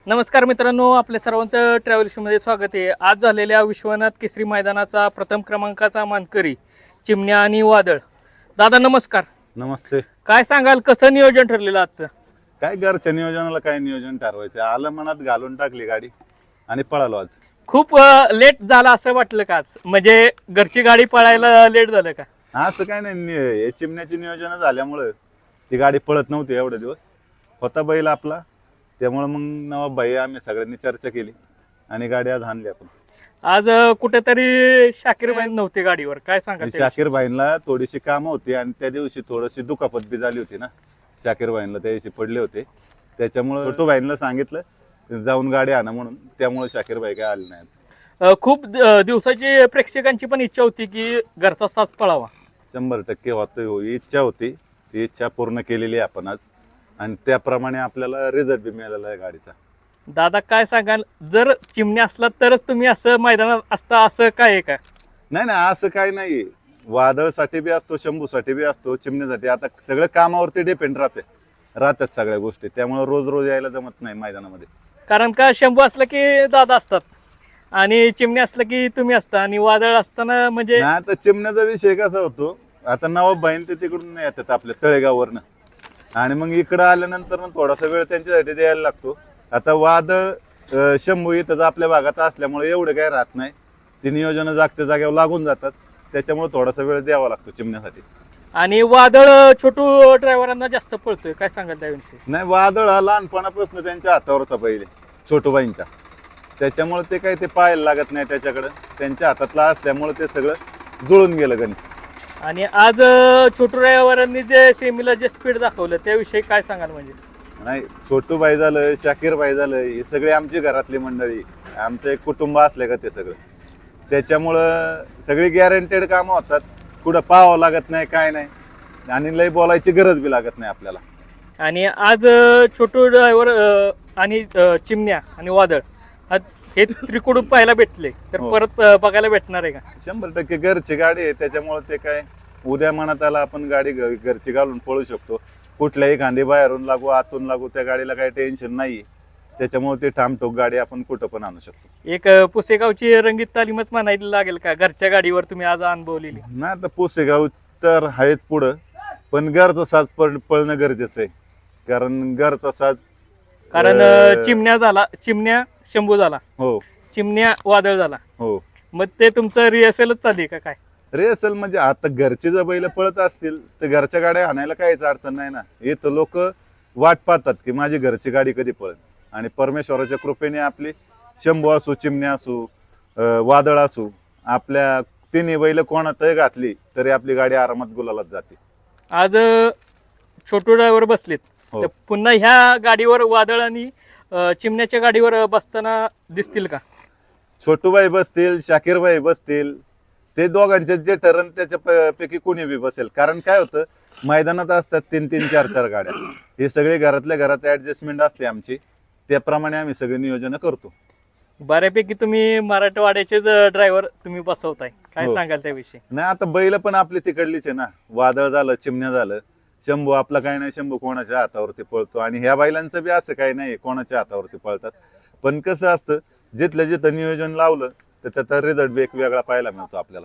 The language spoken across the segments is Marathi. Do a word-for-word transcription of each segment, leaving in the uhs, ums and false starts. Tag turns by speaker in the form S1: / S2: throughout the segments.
S1: नमस्कार मित्रांनो, आपल्या सर्वांचं ट्रॅव्हल शोमध्ये स्वागत आहे. आज झालेल्या विश्वनाथ केसरी मैदानाचा प्रथम क्रमांकाचा मानकरी चिमण्या आणि वादळ. दादा नमस्कार.
S2: नमस्ते.
S1: काय सांगाल, कसं नियोजन ठरलेलं आजचं?
S2: काय घरच्या नियोजनाला काय नियोजन ठरवायचं, आलं मनात घालून टाकली गाडी आणि पळालो आज.
S1: खूप लेट झाला असं वाटलं का आज? म्हणजे घरची गाडी पळायला लेट झालं का?
S2: असं काय नाही, नि- हे चिमण्याची नियोजन झाल्यामुळं ती गाडी पळत नव्हती एवढे दिवस. होता बैल आपला, त्यामुळे मग नवाब भाई आम्ही सगळ्यांनी चर्चा केली आणि गाडी आज आणली आपण.
S1: आज अं, कुठेतरी शाकीर भाई नव्हते गाडीवर, काय सांगा
S2: आणि शाकीर भाईंना थोडीशी कामं होती आणि त्या दिवशी थोडीशी दुखापत बी झाली होती ना. शाकीर भाईंना त्या दिवशी पडले होते, त्याच्यामुळे छोटू भाईंना सांगितलं जाऊन गाडी आणा म्हणून, त्यामुळे शाकीर भाई काय आले नाहीत.
S1: खूप द- दिवसाची प्रेक्षकांची पण इच्छा होती की घरचा साज पळावा.
S2: शंभर टक्के होतं, हो इच्छा होती, ती इच्छा पूर्ण केलेली आहे आपण आज आणि त्याप्रमाणे आपल्याला रिझल्ट बी मिळालेला आहे गाडीचा.
S1: दादा काय सांगाल, जर चिमण्या असला तरच तुम्ही असं मैदानात असता असं काय आहे का?
S2: नाही नाही, असं काही नाही. वादळसाठी बी असतो, शंभूसाठी बी असतो, चिमण्यासाठी. आता सगळं कामावरती डिपेंड राहते राहतात सगळ्या गोष्टी, त्यामुळे रोज रोज यायला जमत नाही मैदानामध्ये.
S1: कारण का शंभू असलं की दादा असतात आणि चिमण्या असलं की तुम्ही असता आणि वादळ असताना म्हणजे
S2: नाही, आता चिमण्याचा विषय कसा होतो, आता नवाब भाईन ते तिकडून येतात आपल्या तळेगाववरनं आणि मग इकडं आल्यानंतर मग थोडासा वेळ त्यांच्यासाठी द्यायला लागतो. आता वादळ अं, शंभू इथं आपल्या भागात असल्यामुळे एवढं काही राहत नाही, ती नियोजन जागच्या जागेवर लागून जातात, त्याच्यामुळे थोडासा वेळ द्यावा लागतो चिमण्यासाठी.
S1: आणि वादळ छोटू ड्रायव्हरांना जास्त पळतोय, काय सांगाल त्याविषयी?
S2: नाही, वादळ हा लहानपणापासून त्यांच्या हातावरचा पहिले छोटूबाईंच्या, त्याच्यामुळे ते काही ते पाहायला लागत नाही त्याच्याकडं, त्यांच्या हातातला असल्यामुळे ते सगळं जुळून गेलं गणित.
S1: आणि आज अं, छोटू ड्रायव्हरांनी जे सेमीला जे स्पीड दाखवलं त्याविषयी काय सांगाल? म्हणजे
S2: नाही, छोटूबाई झालं, शाकीरबाई झालं, हे सगळे आमची घरातली मंडळी, आमचं एक कुटुंब असले का ते सगळं, त्याच्यामुळं सगळी गॅरंटेड कामं होतात, कुठं पाहावं लागत नाही काय नाही आणि लई बोलायची गरज बी लागत नाही आपल्याला.
S1: आणि आज अं, छोटू ड्रायव्हर आणि अं, चिमण्या आणि वादळ आज हे त्रिकोण पाहायला भेटले तर
S2: हो.
S1: परत अं, बघायला भेटणार आहे का?
S2: शंभर टक्के घरची गाडी आहे, त्याच्यामुळे ते काय उद्या मनात आला आपण गाडी घ- घरची घालून पळू शकतो. कुठल्याही खांदी बाहेरून लागू आतून लागू त्या गाडीला काही टेन्शन नाही, त्याच्यामुळे ते ठामठोक गाडी आपण कुठं पण आणू शकतो.
S1: एक अं, पुसेगावची रंगीत तालीमच म्हणायला लागेल का घरच्या गाडीवर तुम्ही आज अनुभवलेली?
S2: नाही, आता पुसेगाव तर आहेच पुढं, पण घरचा साज पळ पळणं गरजेचं आहे, कारण घरचा साज
S1: कारण अं, चिमण्या झाला, चिमण्या शंभू झाला,
S2: हो
S1: चिमण्या वादळ झाला,
S2: हो.
S1: मग ते तुमचं रिहर्सलच चालली का काय?
S2: रेसल म्हणजे आता घरचे जर बैल पळत असतील तर घरच्या गाड्या आणायला काहीच अडचण नाही ना. इथं लोक वाट पाहतात की माझी घरची गाडी कधी पळेल, आणि परमेश्वराच्या कृपेने आपली शंभू असू, चिमण्या असू, अं, वादळ असू, आपल्या तिन्ही बैल कोणातही घातली तरी आपली गाडी आरामात गुलालात जाते.
S1: आज अं, छोटू ड्रायव्हर बसलेत,
S2: हो.
S1: तर पुन्हा ह्या गाडीवर वादळ आणि अं, चिमण्याच्या गाडीवर अं, बसताना दिसतील का?
S2: छोटूबाई बसतील, शाकीरबाई बसतील, ते दोघांचे जे ठरण त्याच्या प- पैकी कोणी बी बसेल. कारण काय होतं, मैदानात असतात तीन तीन चार चार गाड्या, हे सगळे घरातल्या घरात ऍडजस्टमेंट असते आमची, त्याप्रमाणे आम्ही सगळे नियोजन करतो.
S1: बऱ्यापैकी तुम्ही मराठवाड्याचेच ड्रायव्हर तुम्ही बसवताय, काय
S2: हो.
S1: सांगाल त्याविषयी?
S2: नाही, आता बैल पण आपली तिकडलीच आहे ना. वादळ झालं, चिमण्या झालं, शंभू आपला काही नाही, शंभू कोणाच्या हातावरती पळतो आणि ह्या बैलांचं बी असं काही नाही कोणाच्या हातावरती पळतात. पण कसं असतं, जिथलं जिथं नियोजन लावलं तर त्याचा रिझल्ट बी एक वेगळा पाहायला मिळतो आपल्याला.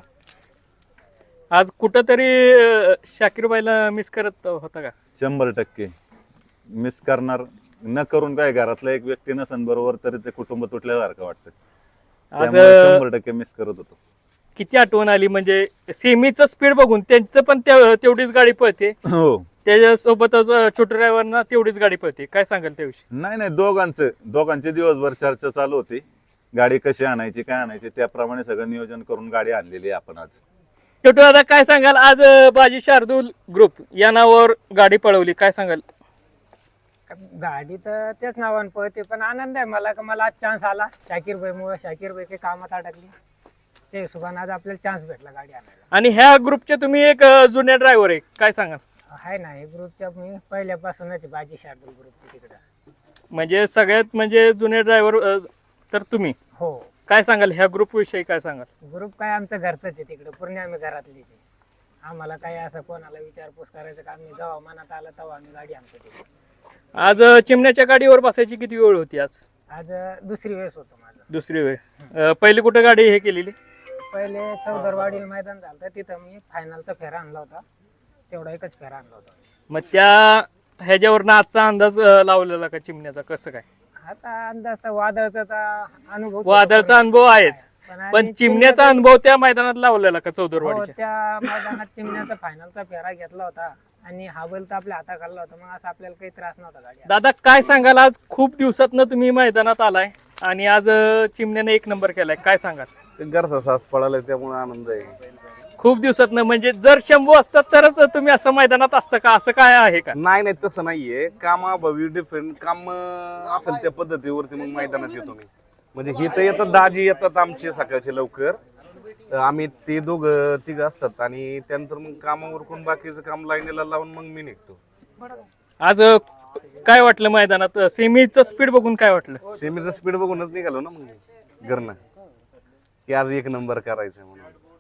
S1: आज कुठंतरी शाकीरबाईला मिस करत होता का?
S2: शंभर टक्के मिस करणार, न करून काय घरातला एक व्यक्ती नसन बरोबर तरी ते कुटुंब तुटल्यासारखं वाटतं,
S1: आज
S2: त्यामुळे
S1: अं,
S2: शंभर टक्के मिस करत होतो.
S1: किती आठवण आली, म्हणजे सेमीचं स्पीड बघून त्यांचं पण त्या- तेवढीच गाडी पळते,
S2: हो.
S1: त्याच्यासोबतच अं, छोटू ड्रायव्हरना तेवढीच गाडी पळते, काय सांगाल त्याविषयी?
S2: नाही नाही, दोघांचं दोघांचे दिवसभर चर्चा चालू होती, गाडी कशी आणायची काय आणायची, त्याप्रमाणे सगळं नियोजन करून गाडी आणलेली आहे आपण आज.
S1: छोटू दादा काय सांगाल, आज अं, बाजी शार्दूल ग्रुप या नावावर गाडी पळवली, काय सांगाल?
S3: गाडी तर त्याच नावाने पळते, पण आनंद आहे मला का मला आज चान्स आला शाकीर भाईमुळे. शाकीर भाई काही कामात अडकली, ते हिशोबाने आज आपल्याला चान्स भेटला गाडी आणायला.
S1: आणि ह्या ग्रुपचे तुम्ही एक अं, जुन्या ड्रायव्हर आहे, काय सांगाल?
S3: आहे ना, हे ग्रुपच्या मी पहिल्यापासूनच आहे, बाजी शार्दूल ग्रुपची तिकडं.
S1: म्हणजे सगळ्यात म्हणजे जुने ड्रायव्हर तर तुम्ही,
S3: हो,
S1: काय सांगाल ह्या ग्रुप विषयी? काय सांगाल?
S3: ग्रुप काय आमचं घरचंच आहे तिकडं, पूर्ण आम्ही घरातलीच आहे. आम्हाला काही असं कोणाला विचारपूस करायचं काम नाही, जेव्हा मनात आलं तेव्हा आम्ही गाडी आणतो तिकडे.
S1: आज अं, चिमण्याच्या गाडीवर बसायची किती वेळ होती आज?
S3: आज अं, दुसरी वेळेस होतो माझं.
S1: दुसरी वेळ. अं, पहिली कुठे गाडी हे केलेली?
S3: पहिले चौदरवाडी मैदान झालं होतं, तिथं मी फायनलचा फेरा आणला होता. तेवढा एकच फेरा आणला होता.
S1: मग त्या ह्याच्यावरनं आजचा अंदाज अं, लावलेला का चिमण्याचा, कसं काय?
S3: आता अंदाज तर वादळचा तर अनुभव तो
S1: वादळचा अनुभव आहेच,
S3: पण आणि
S1: पण चिमण्याचा अनुभव त्या मैदानात लावलेला का
S3: हो,
S1: चौदरवाडीच्या?
S3: त्या मैदानात चिमण्याचा फायनलचा फेरा घेतला होता आणि हा बैल तर आपल्या हाता खाल्ला होता. मग असं आपल्याला काही त्रास नव्हता गाडी.
S1: दादा काय सांगाल, आज खूप दिवसातनं तुम्ही मैदानात आलाय आणि आज अं, चिमण्याने एक नंबर केलाय, काय सांगाल?
S4: ते घरचा सास पळाला त्यामुळे आनंद आहे.
S1: खूप दिवसातनं, म्हणजे जर शंभू असतात तरच तुम्ही असं मैदानात असतं का, असं काय आहे का?
S4: नाही नाही तसं नाहीये. कामाभावी डिफरंट काम अं, असेल त्या पद्धतीवरती मग मैदानात येतो मी. म्हणजे हे तर येतात, दाजी येतात आमचे सकाळचे लवकर, तर आम्ही ते दोघं तिघ असतात आणि त्यानंतर मग कामावर कोण बाकीचं काम लाईनीला लावून मग मी निघतो.
S1: आज अं, काय वाटलं मैदानात? सेमीचं स्पीड बघून काय वाटलं?
S4: सेमीचं स्पीड बघूनच निघालो ना मग घरनं, की आज एक नंबर करायचं म्हणून.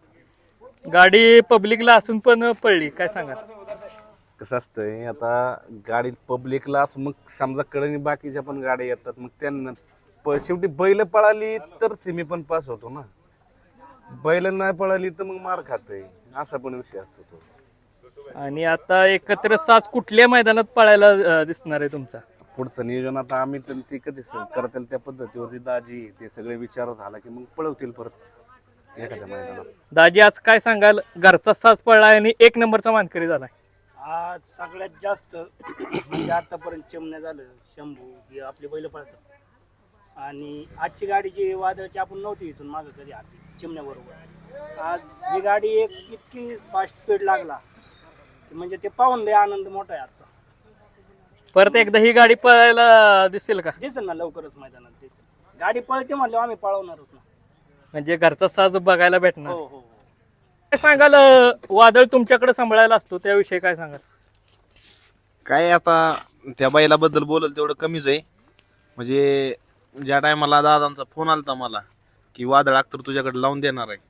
S1: गाडी पब्लिकला असून पण पडली, काय सांगाल?
S4: कसं असतंय, आता गाडी पब्लिकला मग समजा कडे बाकीच्या पण गाड्या येतात, मग त्यांना प- शेवटी बैल पळाली तर सिमी पण पास होतो ना. बैल नाही पळाली तर मग मार खाते, असा पण विषय असतो तो.
S1: आणि आता एकत्र साज कुठल्या मैदानात पळायला अं, दिसणार आहे तुमचा?
S4: पुढचं नियोजन आता आम्ही तर ती कधी करतील त्या पद्धतीवरती दाजी ते सगळे विचार झाला की मग पळवतील परत एखाद्या मैदानात.
S1: दाजी आज काय सांगाल, घरचा साज पळला आणि एक नंबरचा मानकरी झालाय?
S5: आज सगळ्यात जास्त म्हणजे आतापर्यंत चिमण्या झालं, शंभू हे आपले बैल पळतात आणि आजची गाडी जी वादळची आपण नव्हती इथून मागं कधी आली चिमण्याबरोबर. आज ही गाडी एक इतकी फास्ट स्पीड लागला की म्हणजे ते पाहून लय आनंद मोठा आहे आजचा.
S1: परत एकदा ही गाडी पळायला दिसेल का?
S5: दिसेल ना लवकरच मैदानात दिसेल. गाडी पळते म्हणल्यावर आम्ही पळवणारच ना.
S1: म्हणजे घरचा साज बघायला भेटणार.
S5: हो हो
S1: काय सांगाल, अं, वादळ तुमच्याकडे सांभाळायला असतो त्याविषयी काय सांगाल?
S6: काय आता त्या बैलाबद्दल बोलल तेवढं कमीच आहे. म्हणजे ज्या टायमाला दादांचा फोन आलता मला की वादळ अख्तर तुझ्याकडे लावून देणार आहे,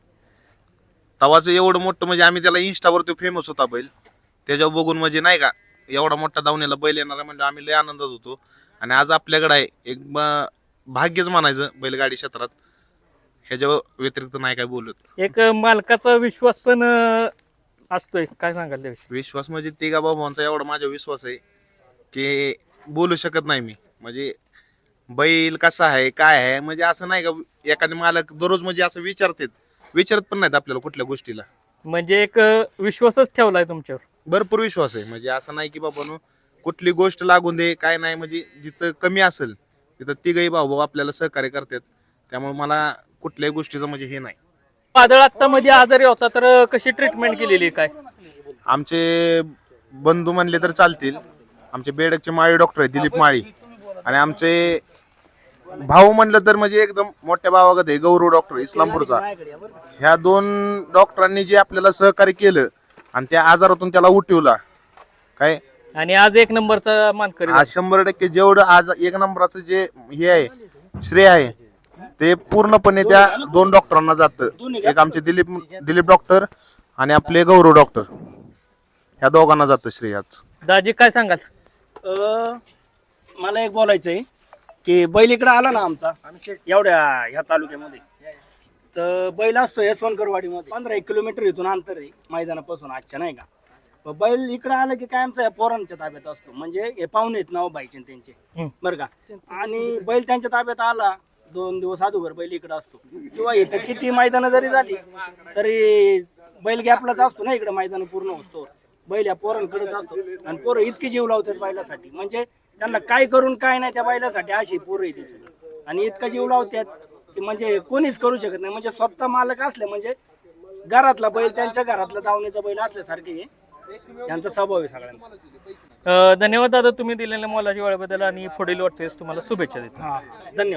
S6: तवाचं एवढं मोठं, म्हणजे आम्ही त्याला इंस्टावरती फेमस होता बैल, त्याच्यावर बघून म्हणजे नाही का एवढा मोठा दावणीला बैल येणार आहे म्हणजे आम्ही लय आनंदात होतो. आणि आज आपल्याकडे आहे एक म- भाग्यच म्हणायचं बैलगाडी क्षेत्रात, ह्याच्या व्यतिरिक्त नाही काय बोलत.
S1: एक अं, मालकाचा विश्वास पण अं, असतोय, काय सांगाल त्याविषयी?
S6: विश्वास म्हणजे तिघा बाबांचा एवढा माझा विश्वास आहे की बोलू शकत नाही मी. म्हणजे बैल कसा आहे काय आहे, म्हणजे असं नाही का एखादे मालक दररोज म्हणजे असं विचारतात, विचारत पण नाहीत आपल्याला कुठल्या गोष्टीला.
S1: म्हणजे एक अं, विश्वासच ठेवलाय तुमच्यावर.
S6: भरपूर विश्वास आहे. म्हणजे असं नाही की बाबा कुठली गोष्ट लागून दे काय नाही, म्हणजे जिथं कमी असेल तिथं तिघही भाऊ भाऊ आपल्याला सहकार्य करतात. त्यामुळे मला कुठल्याही गोष्टीचं म्हणजे हे नाही.
S1: वादळ आता मध्ये आजारी होता तर अं, कशी ट्रीटमेंट केलेली काय?
S6: आमचे बंधू म्हणले तर चालतील, आमचे बेडकचे माळी डॉक्टर आहे दिलीप माळी, आणि आमचे भाऊ म्हणलं तर म्हणजे एकदम मोठ्या भावागत आहे गौरव डॉक्टर इस्लामपूरचा. ह्या दोन डॉक्टरांनी जे आपल्याला सहकार्य केलं आणि त्या आजारातून त्याला उठवला काय,
S1: आणि आज एक नंबरचा मानकरी
S6: आज शंभर टक्के जेवढं आज एक नंबराचं जे हे आहे श्रेय आहे ते पूर्णपणे त्या दोन डॉक्टरांना जातं. एक आमचे दिलीप दिलीप डॉक्टर आणि आपले गौरव डॉक्टर, ह्या दोघांना जातं श्रेय आज.
S1: दाजी काय सांगाल?
S5: अं, मला एक बोलायचं आहे की बैल इकडे आला ना आमचा एवढ्या ह्या तालुक्यामध्ये, तर बैल असतो यशवंतकरवाडीमध्ये पंधरा एक किलोमीटर इथून अंतर आहे मैदानापासून आजच्या, नाही का. मग बैल इकडे आलं की काय आमचा पोरांच्या ताब्यात असतो. म्हणजे हे पाहुणे आहेत नाव बाईचे त्यांचे,
S1: हम्म.
S5: बरं का. आणि बैल त्यांच्या ताब्यात आला दोन दिवस अगोदर बैल इकडे असतो, किंवा इथं किती मैदानं जरी झाली तरी बैल गॅपलाच असतो ना इकडे मैदान पूर्ण असतो. बैल या पोरांकडेच असतो आणि पोरं इतकी जीव लावतात बैलासाठी, म्हणजे त्यांना काय करून काय नाही त्या बैलासाठी अशी पोरं येते सगळी. आणि इतका जीव लावतात की म्हणजे कोणीच करू शकत नाही. म्हणजे स्वतः मालक असले म्हणजे घरातला बैल त्यांच्या घरातला दावणीचा बैल असल्यासारखे यांचा स्वभाव आहे सगळ्यांचा.
S1: अं, धन्यवाद दादा तुम्ही दिलेल्या मोलाच्या वेळेबद्दल आणि पुढील वाटचालीस तुम्हाला शुभेच्छा देतो.
S5: हा धन्यवाद.